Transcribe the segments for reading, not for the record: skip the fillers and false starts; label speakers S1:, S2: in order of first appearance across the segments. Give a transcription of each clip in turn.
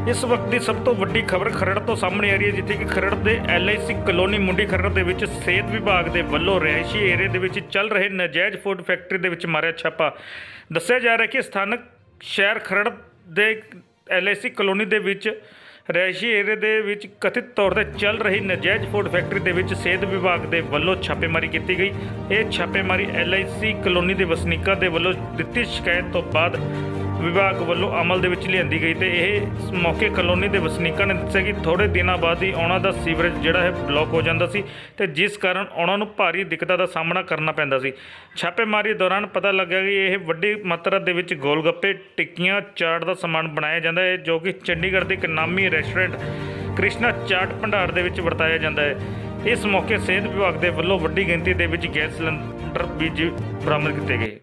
S1: ਇਸ ਵਕਤ ਦੀ ਸਭ ਤੋਂ ਵੱਡੀ ਖਬਰ ਖਰੜ ਤੋਂ ਸਾਹਮਣੇ ਆ ਰਹੀ ਹੈ, ਜਿੱਥੇ ਕਿ ਖਰੜ ਦੇ LIC ਕਲੋਨੀ ਮੁੰਡੀ ਖਰੜ ਦੇ ਵਿੱਚ ਸਿਹਤ ਵਿਭਾਗ ਦੇ ਵੱਲੋਂ ਰਿਹਾਇਸ਼ੀ ਏਰੀਏ ਦੇ ਵਿੱਚ ਚੱਲ ਰਹੇ ਨਾਜਾਇਜ਼ ਫੂਡ ਫੈਕਟਰੀ ਦੇ ਵਿੱਚ ਮਾਰਿਆ ਛਾਪਾ। ਦੱਸਿਆ ਜਾ ਰਿਹਾ ਕਿ ਸਥਾਨਕ ਸ਼ਹਿਰ ਖਰੜ ਦੇ LIC ਕਲੋਨੀ ਦੇ ਵਿੱਚ ਰਿਹਾਇਸ਼ੀ ਏਰੀਏ ਦੇ ਵਿੱਚ ਕਥਿਤ ਤੌਰ ਤੇ ਚੱਲ ਰਹੀ ਨਾਜਾਇਜ਼ ਫੂਡ ਫੈਕਟਰੀ ਦੇ ਵਿੱਚ ਸਿਹਤ ਵਿਭਾਗ ਦੇ ਵੱਲੋਂ ਛਾਪੇਮਾਰੀ ਕੀਤੀ ਗਈ। ਇਹ ਛਾਪੇਮਾਰੀ LIC ਕਲੋਨੀ ਦੇ ਵਸਨੀਕਾਂ ਦੇ ਵੱਲੋਂ ਦਿੱਤੀ ਸ਼ਿਕਾਇਤ ਤੋਂ ਬਾਅਦ ਵਿਭਾਗ ਵੱਲੋਂ ਅਮਲ ਦੇ ਵਿੱਚ ਲਿਆਂਦੀ ਗਈ ਤੇ ਇਹ ਮੌਕੇ ਕਲੋਨੀ ਦੇ ਵਸਨੀਕਾਂ ਨੇ ਦੱਸਿਆ ਕਿ ਥੋੜੇ ਦਿਨਾਂ ਬਾਅਦ ਹੀ ਉਹਨਾਂ ਦਾ ਸੀਵਰੇਜ ਜਿਹੜਾ ਹੈ ਬਲੌਕ ਹੋ ਜਾਂਦਾ ਸੀ ਤੇ ਜਿਸ ਕਾਰਨ ਉਹਨਾਂ ਨੂੰ ਭਾਰੀ ਦਿੱਕਤਾਂ ਦਾ ਸਾਹਮਣਾ ਕਰਨਾ ਪੈਂਦਾ ਸੀ। ਛਾਪੇਮਾਰੀ ਦੌਰਾਨ ਪਤਾ ਲੱਗਾ ਕਿ ਇਹ ਵੱਡੀ ਮਾਤਰਾ ਦੇ ਵਿੱਚ ਗੋਲਗੱਪੇ, ਟਿੱਕੀਆਂ, ਚਾਟ ਦਾ ਸਮਾਨ ਬਣਾਇਆ ਜਾਂਦਾ ਹੈ, ਜੋ ਕਿ ਚੰਡੀਗੜ੍ਹ ਦੇ ਇੱਕ ਨਾਮੀ ਰੈਸਟੋਰੈਂਟ ਕ੍ਰਿਸ਼ਨਾ ਚਾਟ ਭੰਡਾਰ ਦੇ ਵਿੱਚ ਵਰਤਾਇਆ ਜਾਂਦਾ ਹੈ। ਇਸ ਮੌਕੇ ਸਿਹਤ ਵਿਭਾਗ ਦੇ ਵੱਲੋਂ ਵੱਡੀ ਗਿਣਤੀ ਦੇ ਵਿੱਚ ਗੈਸ ਸਿਲੰਡਰ ਵੀ ਬਰਾਮਦ ਕੀਤੇ ਗਏ।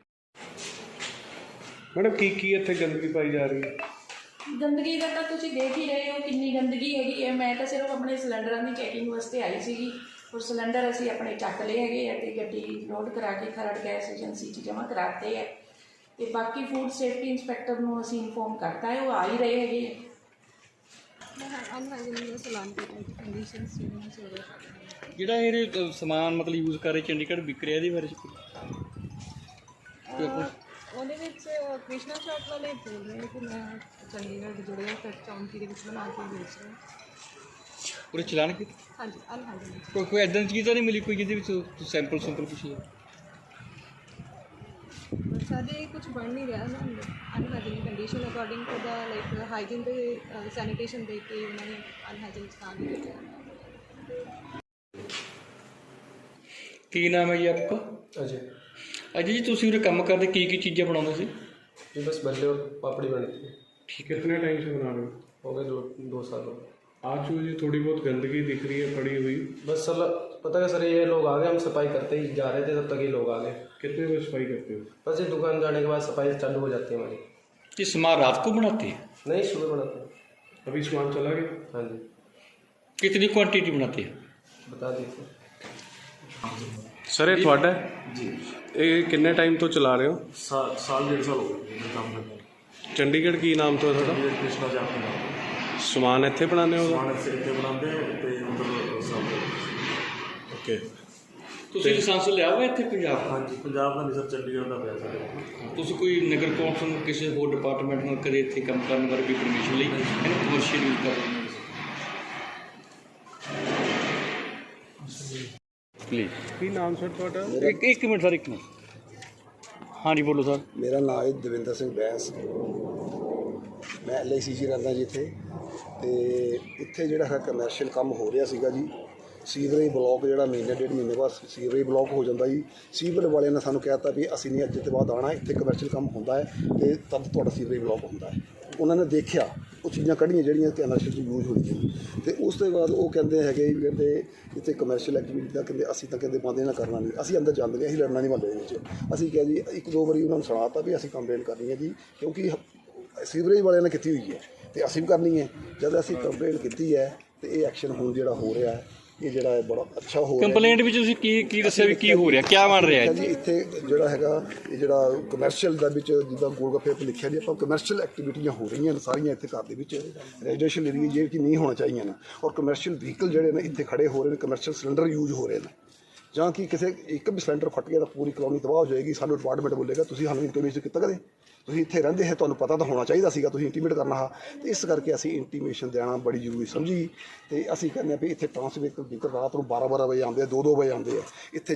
S2: मैडम की इतने गंदगी पाई जा रही है?
S3: गंदगी का तो तुम देख ही रहे हो कितनी गंदगी हैगी। मैं तो सिर्फ अपने सिलेंडर की चैकिंग वास्ते आई सी और सिलेंडर असी अपने चक लए है तो गड्डी लोड करा के खरड़ गैस एजेंसी जमा कराते हैं तो बाकी फूड सेफ्टी इंस्पैक्टर को असी इनफॉर्म करता है, वो आ ही रहे है।
S4: ਜਿਹੜਾ ਇਹ ਸਮਾਨ ਮਤਲਬ ਯੂਜ਼ ਕਰ ਰਹੇ ਚੰਡੀਗੜ੍ਹ ਵਿਕ ਰਿਹਾ, ਇਹਦੇ ਬਾਰੇ
S5: ਉਹਦੇ ਵਿੱਚ ਕ੍ਰਿਸ਼ਨਾ ਸ਼ਾਪ ਵਾਲੇ ਬੋਲ ਰਹੇ ਕਿ ਮੈਂ ਚੰਡੀਗੜ੍ਹ ਜੁੜਿਆ ਤੱਕ ਚੌਂਕੀ ਦੇ ਵਿੱਚ ਬਣਾ ਕੇ ਵੇਚ ਰਿਹਾ।
S4: ਪੂਰੇ ਚਲਾਨ ਕੀ?
S5: ਹਾਂਜੀ ਅਨਹਾਈਜੀਨ।
S4: ਕੋਈ ਐਦਾਂ ਦੀ ਚੀਜ਼ ਤਾਂ ਨਹੀਂ ਮਿਲੀ ਕੋਈ ਜਿਹਦੇ ਵਿੱਚ ਸੈਂਪਲ ਕੁਛ ਹੈ?
S5: ਸਾਡੇ ਕੁਝ ਬਣ ਨਹੀਂ ਰਿਹਾ ਨਾ ਅਨਹਾਈਜੀਨ ਕੰਡੀਸ਼ਨ ਅਕੋਰਡਿੰਗ ਟੂ ਦਾ ਲਾਈਕ ਹਾਈਜੀਨ ਤੇ ਸੈਨੀਟੇਸ਼ਨ ਦੇ ਕੇ ਉਹਨਾਂ ਨੇ ਅਨਹਾਈਜੀਨ ਸਥਾਨ ਦੇ ਦਿੱਤਾ।
S4: ਕੀ ਨਾਮ ਹੈ ਜੀ ਆਪਕਾ?
S2: अजय
S4: ਅਜੇ ਜੀ ਤੁਸੀਂ ਉਰੇ ਕੰਮ ਕਰਦੇ ਕੀ ਚੀਜ਼ਾਂ ਬਣਾਉਂਦੇ ਸੀ?
S2: जी बस बल्ले और पापड़ी बनती है।
S6: कितने टाइम से बना रहे हो?
S2: हो गए दो साल हो गए।
S6: आज जो ये थोड़ी बहुत गंदगी दिख रही है पड़ी हुई,
S2: बस सर पता है सर, ये लोग आ गए, हम सफाई करते ही जा रहे थे तब तक ये लोग आ गए।
S6: कितने बजे सफाई करते हो?
S2: बस ये दुकान जाने के बाद सफाई चालू हो जाती है हमारी।
S4: ये सामान रात को बनाते हैं?
S2: नहीं, सुबह बनाते हैं।
S6: अभी सामान चला गया?
S2: हाँ जी।
S4: कितनी क्वांटिटी बनाते हैं?
S2: बता दीजिए
S6: सर ये थोड़ा
S2: जी।
S6: ये कितने टाइम तो चला रहे हो?
S7: साल डेढ़ साल हो गए काम करते हैं।
S6: चंडीगढ़ की नाम तो थोड़ा
S7: चंडीगढ़ कृष्णा चाट भंडार
S6: समान इतने बनाने होगा?
S7: समान से इतने बनाते हैं तो मतलब सब
S6: ओके।
S4: ਤੁਸੀਂ ਲਾਇਸੈਂਸ ਲਿਆ ਹੋਇਆ ਇੱਥੇ ਪੰਜਾਬ?
S7: हाँ जी, पंजाब का नहीं सर, चंडीगढ़ का पैसा है।
S4: ਤੁਸੀਂ ਕੋਈ ਨਗਰ ਕੌਂਸਲ ਕਿਸੇ ਹੋਰ ਡਿਪਾਰਟਮੈਂਟ ਨਾਲ ਕਦੇ ਇੱਥੇ ਕੰਮ ਕਰਨ ਬਾਰੇ ਵੀ ਪਰਮਿਸ਼ਨ ਲਈ ਇਹਨੂੰ ਕਮਰਸ਼ੀਅਲ ਯੂਜ਼ ਕਰ ਰਹੇ प्लीज़?
S6: की नाम सर थोड़ा?
S4: एक मिनट सर, एक मिनट। हाँ जी बोलो सर।
S8: ਮੇਰਾ ਨਾਮ ਹੈ ਦਵਿੰਦਰ ਸਿੰਘ ਬੈਂਸ। ਮੈਂ LIC 'ਚ ਰਹਿੰਦਾ ਜੀ ਇੱਥੇ। ਅਤੇ ਇੱਥੇ ਜਿਹੜਾ ਹੈ ਕਮਰਸ਼ੀਅਲ ਕੰਮ ਹੋ ਰਿਹਾ ਸੀਗਾ ਜੀ। ਸੀਵਰੇਜ ਬਲੋਕ ਜਿਹੜਾ ਮਹੀਨੇ ਡੇਢ ਮਹੀਨੇ ਬਾਅਦ ਸੀਵਰੇਜ ਬਲੋਕ ਹੋ ਜਾਂਦਾ ਜੀ। ਸੀਵਰ ਵਾਲਿਆਂ ਨੇ ਸਾਨੂੰ ਕਹਿ ਦਿੱਤਾ ਵੀ ਅਸੀਂ ਨਹੀਂ ਅੱਜ ਤੋਂ ਬਾਅਦ ਆਉਣਾ, ਇੱਥੇ ਕਮਰਸ਼ੀਅਲ ਕੰਮ ਹੁੰਦਾ ਹੈ ਅਤੇ ਤਦ ਤੁਹਾਡਾ ਸੀਵਰੇਜ ਬਲੋਕ ਹੁੰਦਾ ਹੈ। ਉਹਨਾਂ ਨੇ ਦੇਖਿਆ ਉਹ ਚੀਜ਼ਾਂ ਕੱਢੀਆਂ ਜਿਹੜੀਆਂ ਕਮਰਸ਼ੀਅਲ 'ਚ ਯੂਜ਼ ਹੋਈਆਂ ਅਤੇ ਉਸ ਤੋਂ ਬਾਅਦ ਉਹ ਕਹਿੰਦੇ ਹੈਗੇ ਵੀ ਕਹਿੰਦੇ ਇੱਥੇ ਕਮਰਸ਼ੀਅਲ ਐਕਟੀਵਿਟੀ ਦਾ ਕਹਿੰਦੇ ਅਸੀਂ ਤਾਂ ਕਹਿੰਦੇ ਬੰਦ ਇਹਨਾਂ ਕਰਨਾ ਨਹੀਂ, ਅਸੀਂ ਅੰਦਰ ਜਾਂਦੇ ਅਸੀਂ ਲੜਨਾ ਨਹੀਂ ਮਹੱਲੇ ਦੇ ਵਿੱਚ। ਅਸੀਂ ਕਿਹਾ ਜੀ ਇੱਕ ਦੋ ਵਾਰੀ ਉਹਨਾਂ ਨੂੰ ਸੁਣਾ ਤਾ ਵੀ ਅਸੀਂ ਕੰਪਲੇਂਟ ਕਰਨੀ ਹੈ ਜੀ, ਕਿਉਂਕਿ ਸੀਵਰੇਜ ਵਾਲਿਆਂ ਨੇ ਕੀਤੀ ਹੋਈ ਹੈ ਅਤੇ ਅਸੀਂ ਵੀ ਕਰਨੀ ਹੈ। ਜਦ ਅਸੀਂ ਕੰਪਲੇਂਟ ਕੀਤੀ ਹੈ ਅਤੇ ਇਹ ਐਕਸ਼ਨ ਹੁਣ ਜਿਹੜਾ ਹੋ ਰਿਹਾ ਹੈ ਇਹ ਜਿਹੜਾ ਹੈ ਬੜਾ ਅੱਛਾ ਹੋ ਰਿਹਾ।
S4: ਕੰਪਲੇਂਟ ਵਿੱਚ ਤੁਸੀਂ ਕੀ ਦੱਸਿਆ ਵੀ ਕੀ ਹੋ ਰਿਹਾ, ਕੀ ਬਣ ਰਿਹਾ ਹੈ
S8: ਜੀ? ਇੱਥੇ ਜਿਹੜਾ ਹੈਗਾ ਇਹ ਜਿਹੜਾ ਕਮਰਸ਼ੀਅਲ ਦਾ ਵਿੱਚ ਜਿੱਦਾਂ ਗੋਲਗੱਪੇ 'ਤੇ ਲਿਖਿਆ ਜੀ ਆਪਾਂ ਕਮਰਸ਼ੀਅਲ ਐਕਟੀਵਿਟੀਆਂ ਹੋ ਰਹੀਆਂ ਨੇ ਸਾਰੀਆਂ ਇੱਥੇ ਘਰ ਦੇ ਵਿੱਚ। ਰੈਜ਼ੀਡੈਂਸ਼ੀਅਲ ਏਰੀਆ ਜਿਹੜੇ ਕਿ ਨਹੀਂ ਹੋਣਾ ਚਾਹੀਦੀਆਂ ਨੇ ਔਰ ਕਮਰਸ਼ੀਅਲ ਵਹੀਕਲ ਜਿਹੜੇ ਨੇ ਇੱਥੇ ਖੜੇ ਹੋ ਰਹੇ ਨੇ, ਕਮਰਸ਼ੀਅਲ ਸਿਲੰਡਰ ਯੂਜ਼ ਹੋ ਰਹੇ ਨੇ। ਜਾਂ ਕਿ ਕਿਸੇ ਇੱਕ ਵੀ ਸਿਲੰਡਰ ਫਟ ਗਿਆ ਤਾਂ ਪੂਰੀ ਕਲੋਨੀ ਤਬਾਹ ਹੋ ਜਾਏਗੀ। ਸਾਨੂੰ ਡਿਪਾਰਟਮੈਂਟ ਬੋਲੇਗਾ ਤੁਸੀਂ ਸਾਨੂੰ ਇੰਟੀਮੇਸ਼ਨ ਕੀਤਾ ਕਦੇ? ਤੁਸੀਂ ਇੱਥੇ ਰਹਿੰਦੇ ਹੈ, ਤੁਹਾਨੂੰ ਪਤਾ ਤਾਂ ਹੋਣਾ ਚਾਹੀਦਾ ਸੀਗਾ, ਤੁਸੀਂ ਇੰਟੀਮੇਟ ਕਰਨਾ ਹਾਂ। ਅਤੇ ਇਸ ਕਰਕੇ ਅਸੀਂ ਇੰਟੀਮੇਸ਼ਨ ਦੇਣਾ ਬੜੀ ਜ਼ਰੂਰੀ ਸਮਝੀ ਅਤੇ ਅਸੀਂ ਕਹਿੰਦੇ ਹਾਂ ਵੀ ਇੱਥੇ ਵਹੀਕਲ ਰਾਤ ਨੂੰ 12-12 ਵਜੇ ਆਉਂਦੇ ਆ, 2-2 ਵਜੇ ਆਉਂਦੇ ਆ। ਇੱਥੇ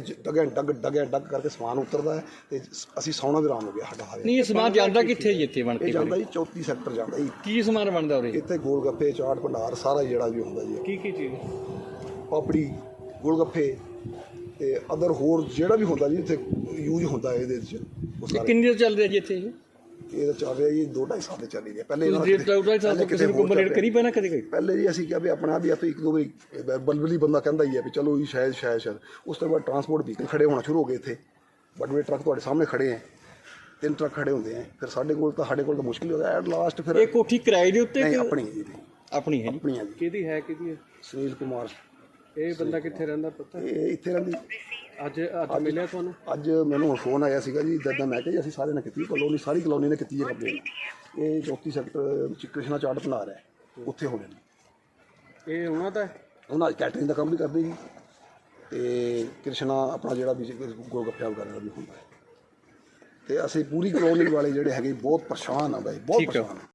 S8: ਡੱਗ ਕਰਕੇ ਸਮਾਨ ਉਤਰਦਾ ਹੈ ਅਤੇ ਅਸੀਂ ਸੌਣਾ ਵੀ ਆਰਾਮ ਹੋ ਗਿਆ ਸਾਡਾ ਹਾਲੇ।
S4: ਨਹੀਂ, ਇਹ ਸਮਾਨ ਜਾਂਦਾ ਕਿੱਥੇ ਜੀ? ਇੱਥੇ ਬਣ ਕੇ
S8: ਇਹ ਜਾਂਦਾ ਜੀ 34 ਸੈਕਟਰ ਜਾਂਦਾ ਜੀ।
S4: ਕੀ ਸਮਾਨ ਬਣਦਾ ਉਰੇ?
S8: ਇੱਥੇ ਗੋਲਗੱਪੇ, ਚਾਟ ਭੰਡਾਰ ਸਾਰਾ ਜਿਹੜਾ ਵੀ ਹੁੰਦਾ ਜੀ।
S6: की चीज़?
S8: ਪਾਪੜੀ, ਗੋਲਗੱਪੇ ਅਤੇ ਅਦਰ ਹੋਰ ਜਿਹੜਾ ਵੀ ਹੁੰਦਾ ਜੀ ਇੱਥੇ ਯੂਜ਼ ਹੁੰਦਾ ਇਹਦੇ ਵਿੱਚ ਉਹ ਸਾਰੇ।
S4: ਕਿੰਨੀ ਦੇਰ ਚੱਲ ਰਿਹਾ ਜੀ ਇੱਥੇ ਇਹ?
S8: ਇਹ ਤਾਂ ਚੱਲ ਰਿਹਾ ਜੀ 2-2.5 ਸਾਲ ਦੇ ਚੱਲ ਰਹੀ ਹੈ। ਪਹਿਲੇ
S4: ਕਿਸੇ ਨੂੰ ਕੰਪਲੇਂਟ ਕਰੀ ਪੈਣਾ ਕਦੇ ਕੋਈ?
S8: ਪਹਿਲੇ ਜੀ ਅਸੀਂ ਕਿਹਾ ਵੀ ਆਪਣਾ ਵੀ ਇੱਕ ਦੋ ਵਾਰੀ ਬਲਬਲੀ ਬੰਦਾ ਕਹਿੰਦਾ ਹੀ ਹੈ ਵੀ ਚਲੋ ਜੀ ਸ਼ਾਇਦ। ਉਸ ਤੋਂ ਬਾਅਦ ਟਰਾਂਸਪੋਰਟ ਵਹੀਕਲ ਖੜੇ ਹੋਣਾ ਸ਼ੁਰੂ ਹੋ ਗਏ ਇੱਥੇ। ਵੱਡੇ ਟਰੱਕ ਤੁਹਾਡੇ ਸਾਹਮਣੇ ਖੜੇ ਹੈ, 3 ਟਰੱਕ ਖੜੇ ਹੁੰਦੇ ਹੈ। ਫਿਰ ਸਾਡੇ ਕੋਲ ਤਾਂ ਮੁਸ਼ਕਿਲ ਹੋ ਗਿਆ ਐਟ ਲਾਸਟ। ਫਿਰ
S4: ਇਹ ਕੋਠੀ ਕਿਰਾਏ ਦੇ ਉੱਤੇ?
S8: ਨਹੀਂ, ਆਪਣੀ ਹੈ ਜੀ।
S4: ਆਪਣੀ ਹੈ ਜੀ।
S8: ਆਪਣੀ ਹੈ ਜੀ।
S6: किहदी है किहदी है?
S8: ਸੁਨੀਲ ਕੁਮਾਰ।
S6: ਇਹ ਬੰਦਾ ਕਿੱਥੇ ਰਹਿੰਦਾ ਪਤਾ?
S8: ਇਹ ਇੱਥੇ ਰਹਿੰਦੀ।
S6: ਅੱਜ ਮਿਲਿਆ ਤੁਹਾਨੂੰ?
S8: ਅੱਜ ਮੈਨੂੰ ਹੁਣ ਫੋਨ ਆਇਆ ਸੀਗਾ ਜੀ ਇੱਦਾਂ। ਮੈਂ ਕਿਹਾ ਜੀ ਅਸੀਂ ਸਾਰਿਆਂ ਨੇ ਕੀਤੀ, ਸਾਰੀ ਕਲੋਨੀ ਨੇ ਕੀਤੀ ਹੈ ਕੰਪਲੇਂਟ। ਇਹ 34 ਸੈਕਟਰ ਵਿੱਚ ਕ੍ਰਿਸ਼ਨਾ ਚਾਟ ਭੰਡਾਰ ਹੈ ਉੱਥੇ ਹੋਣੇ ਨੇ।
S6: ਇਹ ਉਹਨਾਂ ਦਾ
S8: ਉਹਨਾਂ ਕੈਟਰਿੰਗ ਦਾ ਕੰਮ ਵੀ ਕਰਦੇ ਜੀ, ਤੇ ਕ੍ਰਿਸ਼ਨਾ ਆਪਣਾ ਜਿਹੜਾ ਵੀ ਗੋਲਗੱਪਿਆਂ ਵਗੈਰਾ ਦਾ ਵੀ ਹੁੰਦਾ ਹੈ। ਤੇ ਅਸੀਂ ਪੂਰੀ ਕਲੋਨੀ ਵਾਲੇ ਜਿਹੜੇ ਹੈਗੇ ਬਹੁਤ ਪਰੇਸ਼ਾਨ ਆ ਬਾਈ, ਬਹੁਤ ਪਰੇਸ਼ਾਨ ਆ।